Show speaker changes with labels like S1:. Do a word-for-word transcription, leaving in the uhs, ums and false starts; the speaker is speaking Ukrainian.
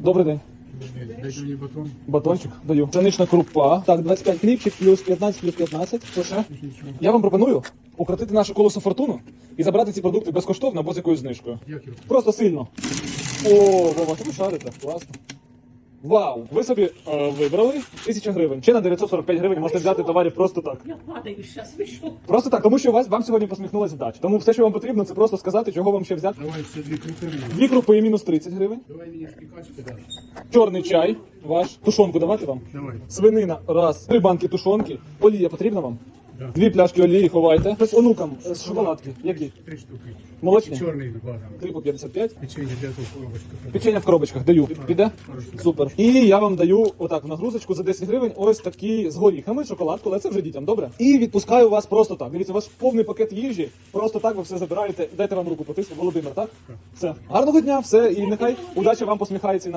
S1: Добрий день.
S2: Дайте мені батон.
S1: Батончик даю. Пшенична крупа. Так, двадцять п'ять хлібчик, плюс п'ятнадцять, плюс п'ятнадцять. Що ще? Я вам пропоную укротити наше колесо фортуну і забрати ці продукти безкоштовно або з якоюсь знижкою.
S2: Як його?
S1: Просто сильно. О, Вова, ви шарите. Класно. Вау! Ви собі е, вибрали тисяча гривень. Чи на дев'ятсот сорок п'ять гривень можете взяти товарів просто так.
S3: Я падаю зараз, ви що?
S1: Просто так, тому що у вас вам сьогодні посміхнулася вдача. Тому все, що вам потрібно, це просто сказати, чого вам ще взяти.
S2: Давай ще дві крупи.
S1: Дві крупи і мінус тридцять гривень.
S2: Давай мені шпікачки даш.
S1: Чорний чай ваш. Тушонку давати вам.
S2: Давай.
S1: Свинина, раз. Три банки тушонки. Олія потрібна вам?
S2: Да.
S1: Дві пляшки олії ховайте. Ось онукам е, з шоколадки. Які?
S2: Три штуки.
S1: Молочні?
S2: Чорний два.
S1: Три по п'ятдесят п'ять.
S2: Печенье для того коробочка.
S1: Печення в коробочках даю. Піде? Супер. І я вам даю отак в нагрузочку за десять гривень ось такі з горіхами, шоколадку, але це вже дітям, добре? І відпускаю вас просто так. Дивіться, ваш повний пакет їжі, просто так ви все забираєте. Дайте вам руку потисну. Володимир, так? Все. Гарного дня, все, і нехай удача вам посміхається.